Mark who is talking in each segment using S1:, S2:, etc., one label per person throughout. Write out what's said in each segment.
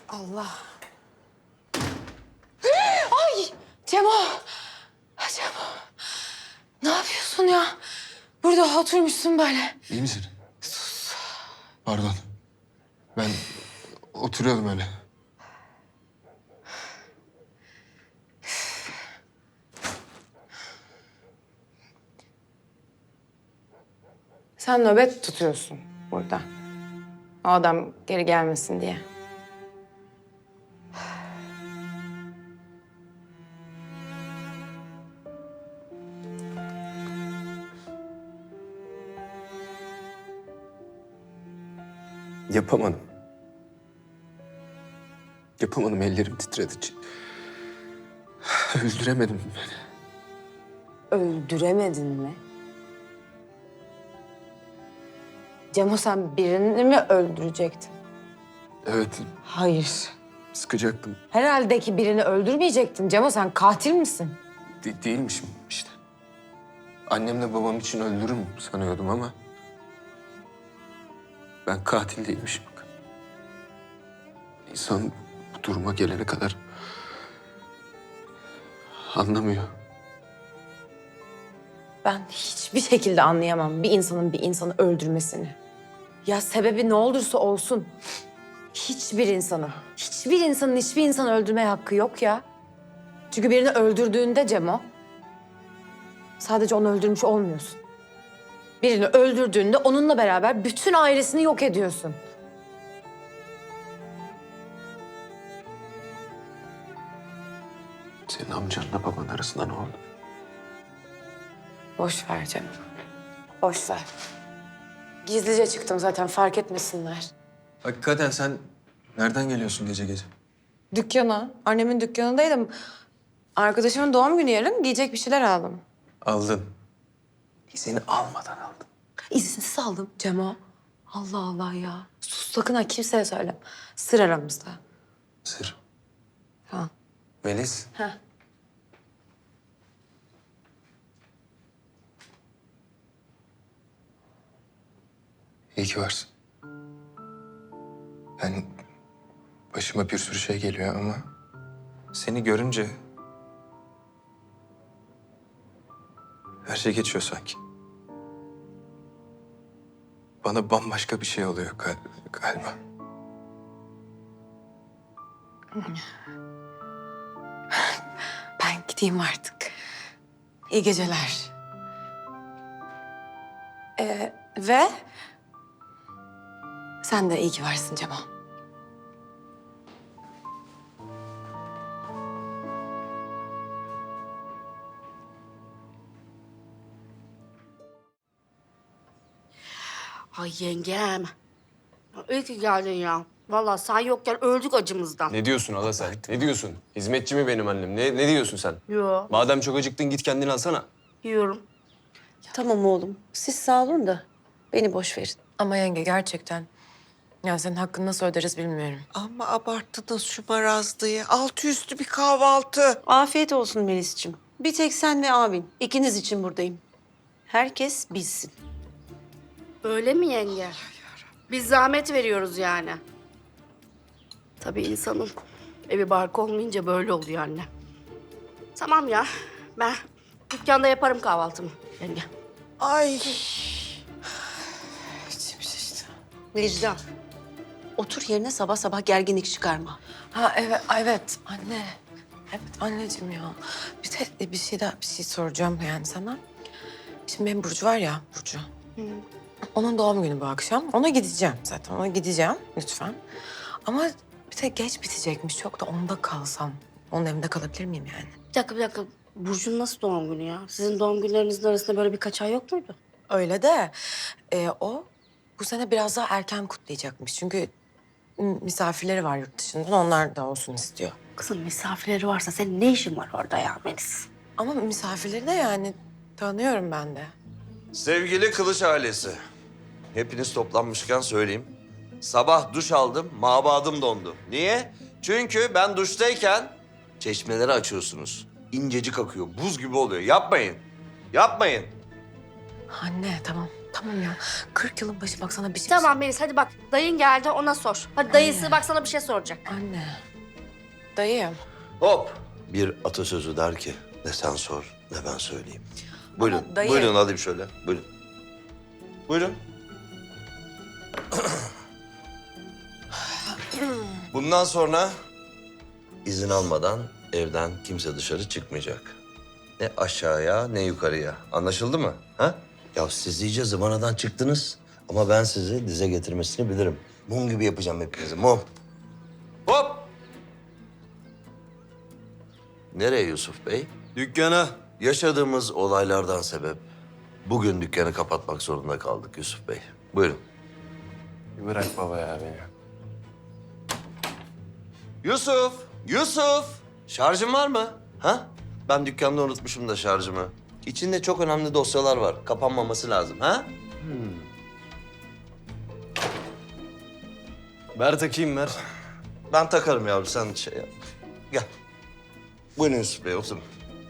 S1: Allah. Ay Cemo. Cemo. Ne yapıyorsun ya? Burada oturmuşsun böyle.
S2: İyi misin? Pardon. Ben oturuyordum öyle.
S1: Sen nöbet tutuyorsun burada. O adam geri gelmesin diye.
S2: Yapamadım. Yapamadım, ellerim titredi. Öldüremedim beni.
S1: Öldüremedin mi? Cemo sen birini mi öldürecektin?
S2: Evet,
S1: Hayır.
S2: sıkacaktım.
S1: Herhalde ki birini öldürmeyecektin. Cemo sen katil misin?
S2: Değilmişim işte. Annemle babam için öldürürüm sanıyordum ama... ben katil değilmişim. İnsan bu duruma gelene kadar anlamıyor.
S1: Ben hiçbir şekilde anlayamam bir insanın bir insanı öldürmesini. Ya sebebi ne olursa olsun. Hiçbir insanın hiçbir insanı öldürmeye hakkı yok ya. Çünkü birini öldürdüğünde Cemo, sadece onu öldürmüş olmuyorsun. Birini öldürdüğünde onunla beraber bütün ailesini yok ediyorsun.
S2: Senin amcanla baban arasında ne oldu?
S1: Boş ver Cemo. Boş ver. Gizlice çıktım zaten fark etmesinler.
S2: Hakikaten sen nereden geliyorsun gece gece?
S1: Dükkana, annemin dükkanındaydım. Arkadaşımın doğum günü yarın, giyecek bir şeyler aldım.
S2: Aldın. Seni almadan aldın.
S1: İzinsiz aldım Cemo. Allah Allah ya. Sus sakın ha kimseye söyleme. Sır aramızda.
S2: Sır.
S1: Ha.
S2: Melis.
S1: Ha.
S2: İyi ki varsın. Ben başıma bir sürü şey geliyor ama seni görünce her şey geçiyor sanki. Bana bambaşka bir şey oluyor galiba.
S1: Ben gideyim artık. İyi geceler. Ve sen de iyi ki varsın Cemo.
S3: Ay yengem. İyi ki geldin ya. Vallahi sen yokken öldük acımızdan.
S4: Ne diyorsun hala sen? Ne diyorsun? Hizmetçi mi benim annem? Ne diyorsun sen?
S3: Yo,
S4: Madem çok acıktın git kendini alsana.
S3: yiyorum.
S5: Tamam oğlum. Siz sağ olun da beni boş verin.
S1: Ama yenge gerçekten. Ya senin hakkını nasıl öderiz bilmiyorum.
S6: Ama abarttınız şu marazlıyı. Altı üstü bir kahvaltı.
S5: Afiyet olsun Melis'ciğim. Bir tek sen ve abin. İkiniz için buradayım. Herkes bilsin.
S3: Öyle mi yenge? Biz zahmet veriyoruz yani. Tabii insanın evi barkı olmayınca böyle oluyor anne. Tamam ya. Ben dükkanda yaparım kahvaltımı yenge.
S6: Ay.
S1: İçim şişti.
S5: Necla, otur yerine sabah sabah gerginlik çıkarma.
S1: Ha evet, evet anne. Evet anneciğim ya. Bir şey soracağım yani sana. Şimdi benim Burcu var ya Burcu. Onun doğum günü bu akşam. Ona gideceğim zaten. Ona gideceğim lütfen. Ama bir tek geç bitecekmiş. Çok da onda kalsam. Onun evinde kalabilir miyim yani?
S3: Bir dakika. Burcu'nun nasıl doğum günü ya? Sizin doğum günlerinizin arasında böyle birkaç ay yok muydu?
S1: Öyle de o bu sene biraz daha erken kutlayacakmış. Çünkü misafirleri var yurt dışından. Onlar da olsun istiyor.
S3: Kızım misafirleri varsa senin ne işin var orada ya Melis?
S1: Ama misafirleri de yani tanıyorum ben de.
S7: Sevgili Kılıç ailesi, hepiniz toplanmışken söyleyeyim. Sabah duş aldım, mabadım dondu. Niye? Çünkü ben duştayken çeşmeleri açıyorsunuz. İncecik akıyor, buz gibi oluyor. Yapmayın, yapmayın.
S1: Anne tamam Tamam ya. 40 yılın başı bak sana bir şey
S3: Tamam Melis hadi bak dayın geldi ona sor. Hadi dayısı bak sana bir şey soracak.
S1: Anne. Dayı.
S7: Hop. Bir atasözü der ki ne sen sor ne ben söyleyeyim. Buyurun.
S1: dayı-
S7: Buyurun alayım şöyle. Buyurun. Buyurun. Bundan sonra izin almadan evden kimse dışarı çıkmayacak. Ne aşağıya ne yukarıya. Anlaşıldı mı? Ha? Ya siz iyice zıvanadan çıktınız. Ama ben sizi dize getirmesini bilirim. Mum gibi yapacağım hepinizi, mum. Hop! Nereye Yusuf Bey? Dükkana. Yaşadığımız olaylardan sebep bugün dükkanı kapatmak zorunda kaldık Yusuf Bey. Buyurun.
S4: Bir bırak baba ya beni.
S7: Yusuf! Yusuf! Şarjın var mı? Ha? Ben dükkanda unutmuşum da şarjımı. İçinde çok önemli dosyalar var. Kapanmaması lazım, ha?
S4: Ver takayım ver.
S7: Ben takarım yavrum, sen şey yap. Gel. Buyurun Yusuf Bey, oturun.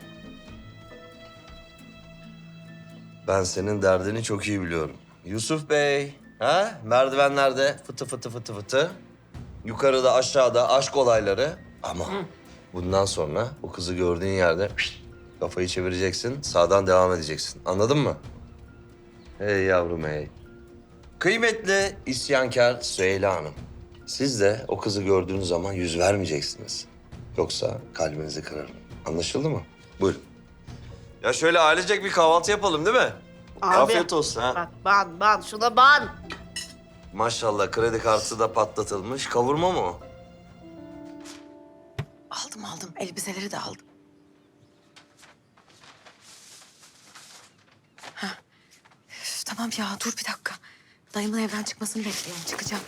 S7: Ben senin derdini çok iyi biliyorum. Yusuf Bey, ha? Merdivenlerde fıtı fıtı fıtı fıtı. Yukarıda aşağıda aşk olayları. Ama bundan sonra o kızı gördüğün yerde kafayı çevireceksin, sağdan devam edeceksin. Anladın mı? Hey yavrum hey. Kıymetli isyankar Süheyla Hanım. Siz de o kızı gördüğünüz zaman yüz vermeyeceksiniz. Yoksa kalbinizi kırarım. Anlaşıldı mı? Buyurun. Ya şöyle ailecek bir kahvaltı yapalım değil mi?
S3: Abi.
S7: Afiyet olsun ha.
S3: Bak ban şuna ban.
S7: Maşallah kredi kartı da patlatılmış. Kavurma mı o?
S1: Aldım. Elbiseleri de aldım. Üf, tamam ya dur bir dakika. Dayımın evden çıkmasını bekliyorum. Çıkacağım.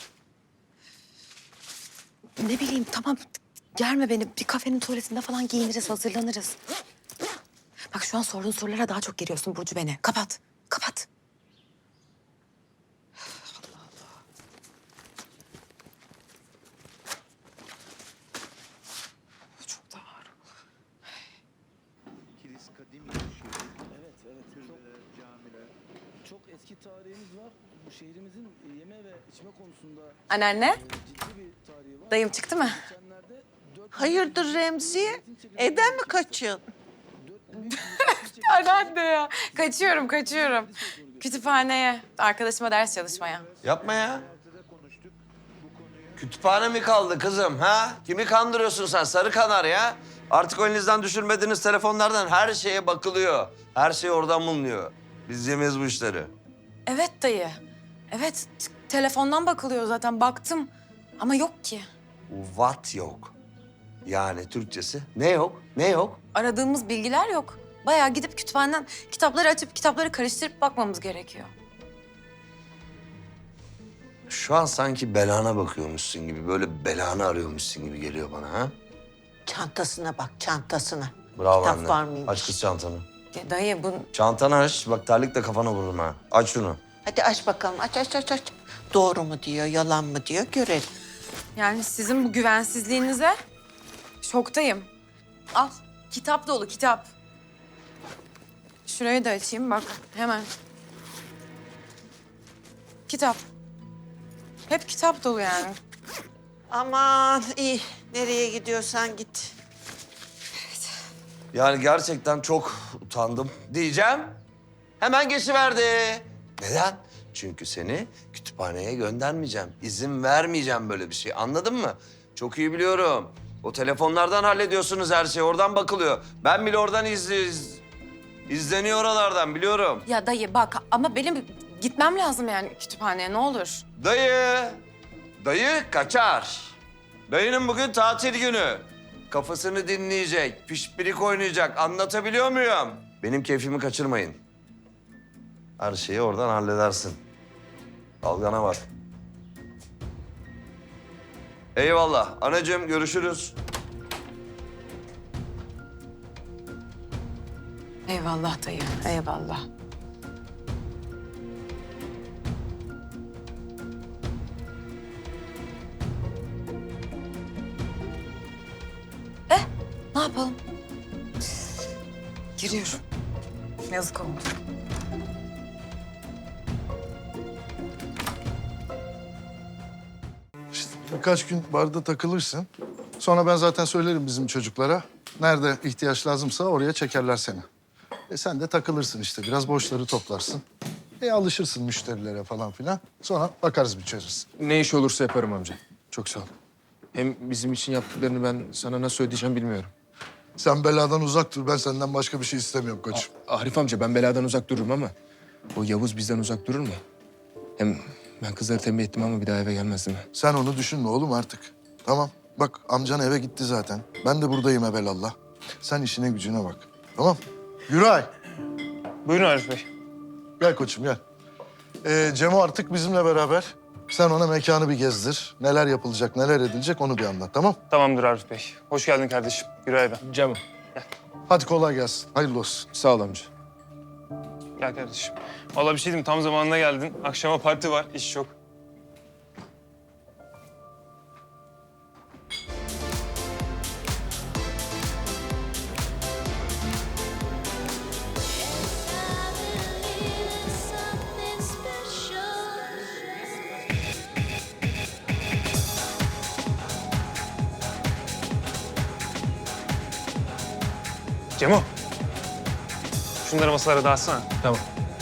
S1: Ne bileyim tamam. Germe beni. Bir kafenin tuvaletinde falan giyiniriz, hazırlanırız. Bak şu an sorduğun sorulara daha çok geriyorsun Burcu beni. Kapat. Kapat. Çok da ağır.
S8: Kilis kadim şehir. Evet, türbeler, camiler. Çok eski tarihimiz var. Bu şehrimizin yeme ve içme konusunda
S1: Anneanne,
S8: ciddi bir tarihi var.
S1: dayım çıktı mı?
S8: Geçenlerde
S6: Hayırdır Remziye? Evden mi kaçıyorsun?
S1: Anneanne ya. Kaçıyorum. Kütüphaneye. Arkadaşıma ders çalışmaya.
S7: Yapma ya. Kütüphane mi kaldı kızım ha? Kimi kandırıyorsun sen sarı kanar ya? Artık elinizden düşürmediğiniz telefonlardan her şeye bakılıyor. Her şey oradan bulunuyor. Biz yemeyiz bu işleri.
S1: Evet dayı. Evet, telefondan bakılıyor zaten. Baktım. Ama yok ki.
S7: What yok? Yani Türkçesi ne yok? Ne yok?
S1: Aradığımız bilgiler yok. Bayağı gidip kütüphaneden kitapları açıp kitapları karıştırıp bakmamız gerekiyor.
S7: Şu an sanki belana bakıyormuşsun gibi, böyle belanı arıyormuşsun gibi geliyor bana ha?
S6: Çantasına bak, çantasına.
S7: Bravo
S6: Kitap
S7: anne.
S6: var mıymış?
S7: Aç kız çantanı.
S1: Ya dayı bu...
S7: Çantanı aç. Bak terlikle kafana vururum ha. Aç şunu.
S6: Hadi aç bakalım, aç. Doğru mu diyor, yalan mı diyor görelim.
S1: Yani sizin bu güvensizliğinize şoktayım. Al, kitap dolu kitap. Şurayı da açayım bak hemen. Kitap. Hep kitap dolu yani.
S6: Aman iyi, nereye gidiyorsan git.
S7: Yani gerçekten çok utandım diyeceğim. Hemen geçiverdi. Neden? Çünkü seni kütüphaneye göndermeyeceğim. İzin vermeyeceğim böyle bir şey. Anladın mı? Çok iyi biliyorum. O telefonlardan hallediyorsunuz her şeyi. Oradan bakılıyor. Ben bile oradan izleniyor oralardan biliyorum.
S1: Ya dayı bak ama benim gitmem lazım yani kütüphaneye ne olur.
S7: Dayı kaçar. Dayının bugün tatil günü. Kafasını dinleyecek, pişpirik oynayacak. Anlatabiliyor muyum? Benim keyfimi kaçırmayın. Her şeyi oradan halledersin. Dalgana var. Eyvallah. Anacığım görüşürüz.
S1: Eyvallah dayı, eyvallah. Ne yapalım? Giriyorum. Yazık oldu.
S9: Birkaç gün barda takılırsın. Sonra ben zaten söylerim bizim çocuklara. Nerede ihtiyaç lazımsa oraya çekerler seni. Sen de takılırsın işte. Biraz borçları toplarsın. Alışırsın müşterilere falan filan. Sonra bakarız bir çözeriz.
S2: Ne iş olursa yaparım amca. Çok sağ ol. Hem bizim için yaptıklarını ben sana nasıl ödeyeceğim bilmiyorum.
S9: Sen beladan uzak dur. Ben senden başka bir şey istemiyorum koçum.
S2: Arif amca ben beladan uzak dururum ama o Yavuz bizden uzak durur mu? Hem ben kızları tembih ettim ama bir daha eve gelmez değil mi?
S9: Sen onu düşünme oğlum artık. Tamam. Bak amcan eve gitti zaten. Ben de buradayım evelallah. Sen işine gücüne bak. Tamam. Güray.
S10: Buyurun Arif Bey.
S9: Gel koçum gel. Cemo artık bizimle beraber. Sen ona mekanı bir gezdir. Neler yapılacak, neler edilecek onu bir anlat, tamam?
S10: Tamamdır Arif Bey. Hoş geldin kardeşim. Güray ben.
S2: Cemo.
S9: Hadi kolay gelsin. Hayırlı olsun.
S2: Sağ ol amca.
S10: Gel kardeşim. Vallahi bir şey diyeyim, tam zamanında geldin. Akşama parti var, iş çok. Cemo. Şunları masalara dağıtsana.
S2: Tamam.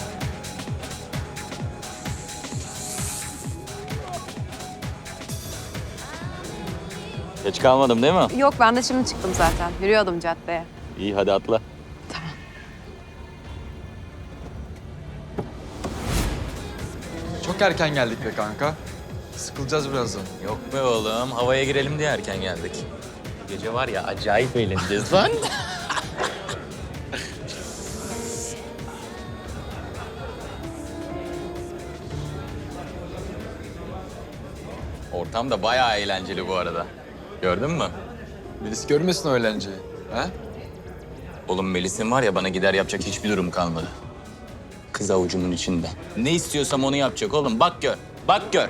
S11: Geç kalmadım değil mi?
S1: Yok ben de şimdi çıktım zaten. Yürüyordum caddeye.
S11: İyi hadi atla.
S12: Çok erken geldik be kanka. Sıkılacağız birazdan.
S11: Yok be oğlum, havaya girelim diye erken geldik. Gece var ya acayip eğleneceğiz lan. Ortam da bayağı eğlenceli bu arada. Gördün mü?
S12: Melis görmesin o eğlenceyi. Ha?
S11: Oğlum Melis'in var ya bana gider yapacak hiçbir durum kalmadı. Kız avucumun içinde. Ne istiyorsam onu yapacak oğlum. Bak gör, bak gör.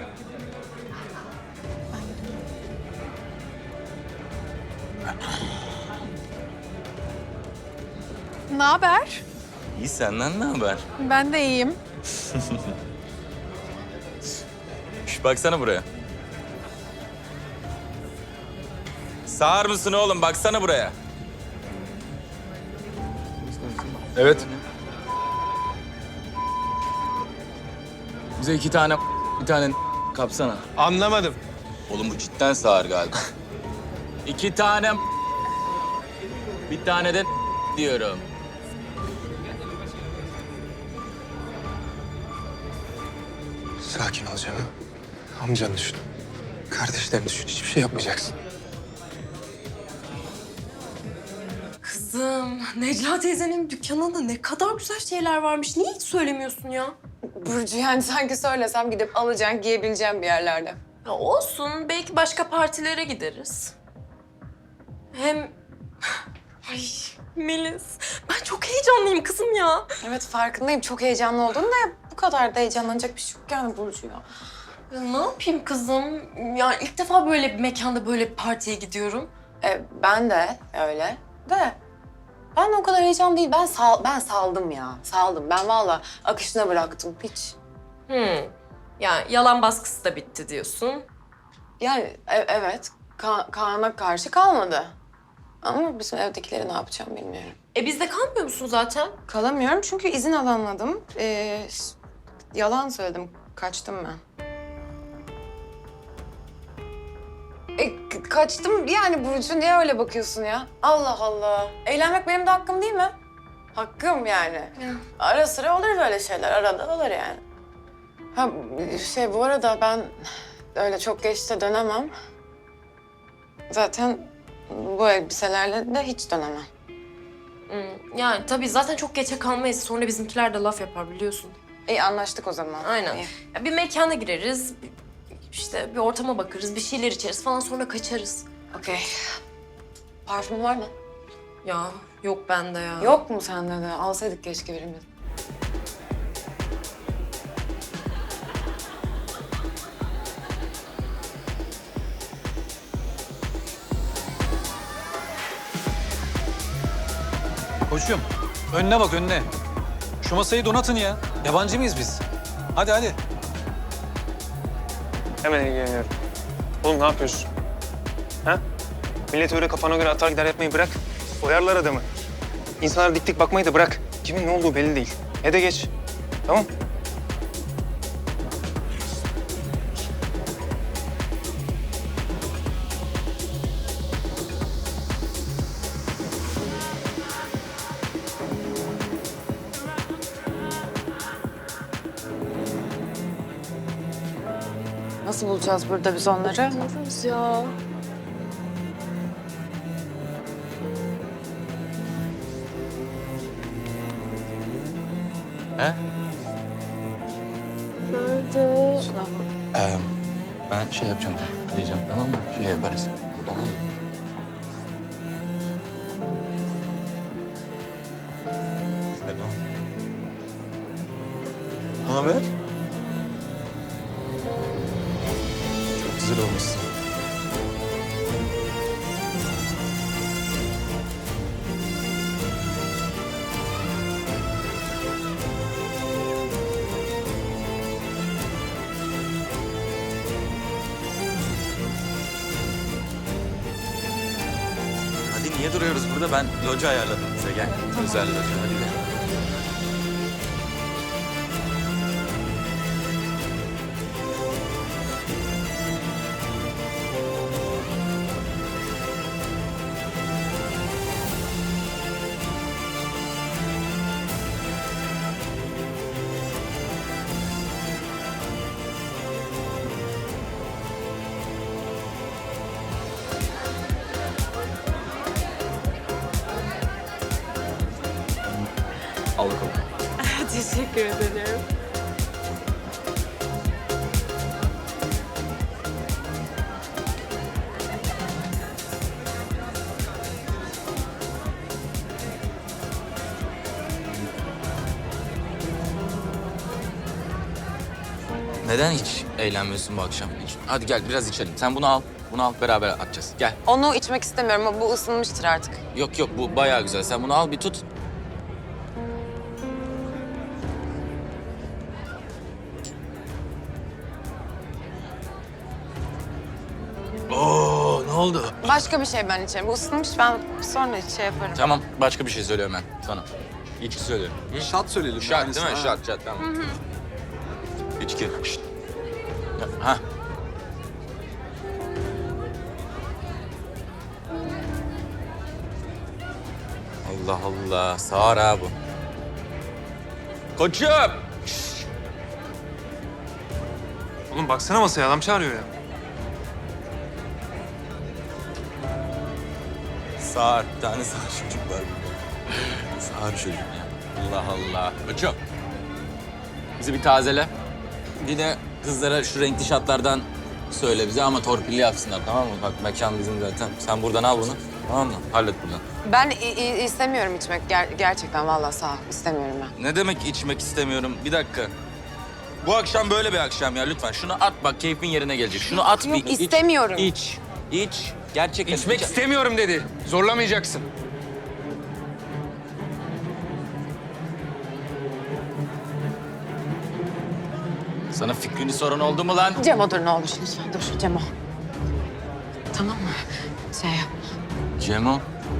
S1: Ne haber?
S11: İyi senden ne haber?
S1: Ben de iyiyim.
S11: Şş, baksana buraya. Sağır mısın oğlum? Baksana buraya.
S2: Evet.
S11: Bize 2 tane bir tane kapsana.
S10: Anlamadım.
S11: Oğlum bu cidden sağır galiba. 2 tane bir tane de diyorum.
S2: Sakin ol Cemo. Amcanı düşün. Kardeşlerini düşün. Hiçbir şey yapmayacaksın.
S13: Kızım, Necla teyzenin dükkanında ne kadar güzel şeyler varmış. Niye hiç söylemiyorsun ya?
S1: Burcu yani sanki söylesem gidip alacaksın, giyebileceğim bir yerlerde.
S13: Ya olsun, belki başka partilere gideriz. Hem... Ay Melis, ben çok heyecanlıyım kızım ya.
S1: Evet farkındayım. Çok heyecanlı oldun da bu kadar da heyecanlanacak bir şey yok yani Burcu ya.
S13: Ya ne yapayım kızım? Ya ilk defa böyle bir mekanda böyle bir partiye gidiyorum.
S1: Ben de öyle de ben de o kadar heyecan değil. Ben saldım ya. Saldım. Ben vallahi akışına bıraktım hiç.
S13: Yani yalan baskısı da bitti diyorsun.
S1: Yani evet Kaan'a karşı kalmadı. Ama bizim evdekileri ne yapacağım bilmiyorum.
S13: Bizde kalmıyor musun zaten?
S1: Kalamıyorum çünkü izin alanladım. Yalan söyledim. Kaçtım ben. Kaçtım yani Burcu. Niye öyle bakıyorsun ya? Allah Allah. Eğlenmek benim de hakkım değil mi? Hakkım yani. Ara sıra olur böyle şeyler. Arada olur yani. Ha bu arada ben öyle çok geç de dönemem. Zaten bu elbiselerle de hiç dönemem.
S13: Yani tabii zaten çok geçe kalmayız. Sonra bizimkiler de laf yapar biliyorsun.
S1: İyi anlaştık o zaman.
S13: Aynen.
S1: İyi.
S13: Ya bir mekana gireriz, işte bir ortama bakarız, bir şeyler içeriz falan sonra kaçarız.
S1: Okey. Parfüm var mı?
S13: Ya yok bende ya.
S1: Yok mu sende de? Alsaydık keşke birimiz.
S12: Koçum önüne bak önüne. Şu masayı donatın ya. Yabancı mıyız biz? Hadi hadi.
S10: Hemen ilgileniyorum. Oğlum ne yapıyorsun? Ha? Millet öyle kafana göre atar gider yapmayı bırak. Oyarlar adamı. İnsanlara dik dik bakmayı da bırak. Kimin ne olduğu belli değil. Ne de geç. Tamam?
S1: Nasıl bulacağız burada biz onları?
S13: Buluruz ya.
S11: He?
S13: Nerede?
S11: Ben şey yapacağım. Diyeceğim tamam mı? Şey yaparız. Tamam mı? Tamam. Ne haber? Çok güzel olmuşsun. Hadi niye duruyoruz burada? Ben loca ayarladım bize. Gel. Özel loca. Hadi gel. Al bakalım.
S13: Teşekkür ederim.
S11: Neden hiç eğlenmiyorsun bu akşam? Hadi gel biraz içelim. Sen bunu al. Bunu al beraber atacağız. Gel.
S1: Onu içmek istemiyorum ama bu ısınmıştır artık.
S11: Yok yok bu bayağı güzel. Sen bunu al bir tut. Oo ne oldu?
S1: Başka bir şey ben içerim. Bu ısınmış, ben sonra şey yaparım.
S11: Tamam başka bir şey söylüyorum ben sana. İçki söylüyorum.
S12: Şat söyleyelim.
S11: Şart değil mi? Şart tamam. İçki. Şşt. Ha. Allah Allah. Sağır ha bu. Koçum. Şşt.
S10: Oğlum baksana masaya adam çağırıyor ya.
S11: Sağır. Bir tane sağır çocuk var burada. Sağır çocuk ya. Allah Allah. Koçum. Bizi bir tazele. Bir de kızlara şu renkli şatlardan söyle bize ama torpilli yapsınlar tamam mı? Bak mekan bizim zaten. Sen buradan al bunu. Tamam mı? Hallet buradan.
S1: Ben istemiyorum içmek. Gerçekten vallahi sağ ol. İstemiyorum ben.
S11: Ne demek içmek istemiyorum? Bir dakika. Bu akşam böyle bir akşam ya lütfen. Şunu at bak keyfin yerine gelecek. Şunu at
S1: Yok,
S11: bir iç.
S1: istemiyorum.
S11: İç. Gerçekten
S2: İçmek istemiyorum dedi. Zorlamayacaksın.
S11: Sana fikrini soran oldu mu lan?
S1: Cemo dur ne olur lütfen dur Cemo. Tamam mı? Şey yap.
S11: Cemo.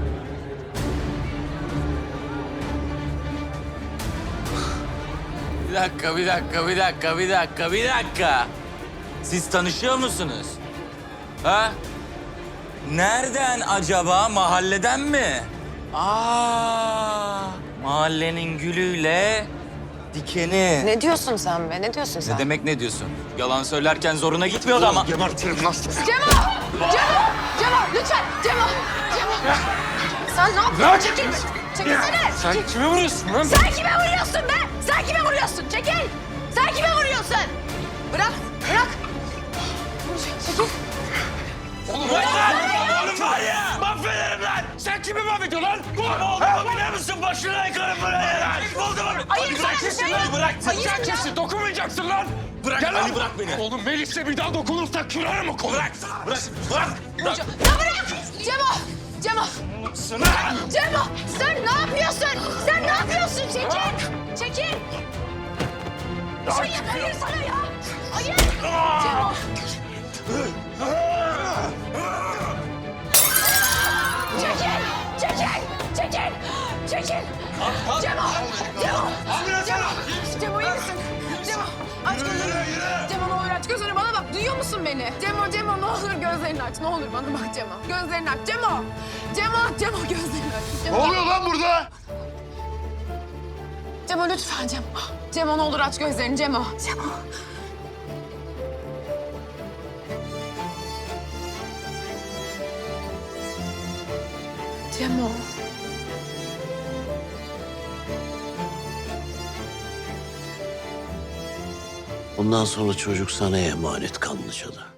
S11: Bir dakika. Siz tanışıyor musunuz? Ha? Nereden acaba? Mahalleden mi? Mahallenin gülüyle dikeni.
S1: Ne diyorsun sen be? Ne diyorsun sen?
S11: Ne demek ne diyorsun? Yalan söylerken zoruna gitmiyordu ama.
S2: Gebertirim lan.
S1: Cemo! Lütfen! Cemo! Sen ne yapıyorsun? Çekil! Çekilsene!
S2: Sen kime vuruyorsun lan?
S1: Sen kime vuruyorsun be? Sen kime vuruyorsun? Çekil! Sen kime vuruyorsun? Bırak! Çekil!
S11: Oğlum var ya! Mahvederim lan! Sen kimi mahvediyorsun lan? Oğlum biliyor musun? Başına yıkarım buraya lan! Oldu mu?
S1: Hayır, sen kimsin lan?
S11: Bırak!
S1: Hayır,
S2: Sen kimsin? Dokunmayacaksın lan.
S11: Bırak
S2: Gel
S11: Ali
S2: lan.
S11: bırak beni!
S2: Oğlum Melis'le bir daha dokunursak kırarım o kolu.
S11: Bırak!
S1: Ya bırak! Cemo! Sen ne yapıyorsun? Sen ne yapıyorsun? Çekil! Hayır sana ya! Hayır! Cemo! aç gözünü bana bak. Duyuyor musun beni? Cemo ne olur gözlerini aç. Ne olur bana bak Cemo. Gözlerini aç Cemo gözlerini aç. Cemo.
S9: Ne oluyor lan burada?
S1: Cemo lütfen Cemo. Cemo ne olur aç gözlerini Cemo. Cemo.
S14: Bundan sonra çocuk sana emanet Kanlıca'da.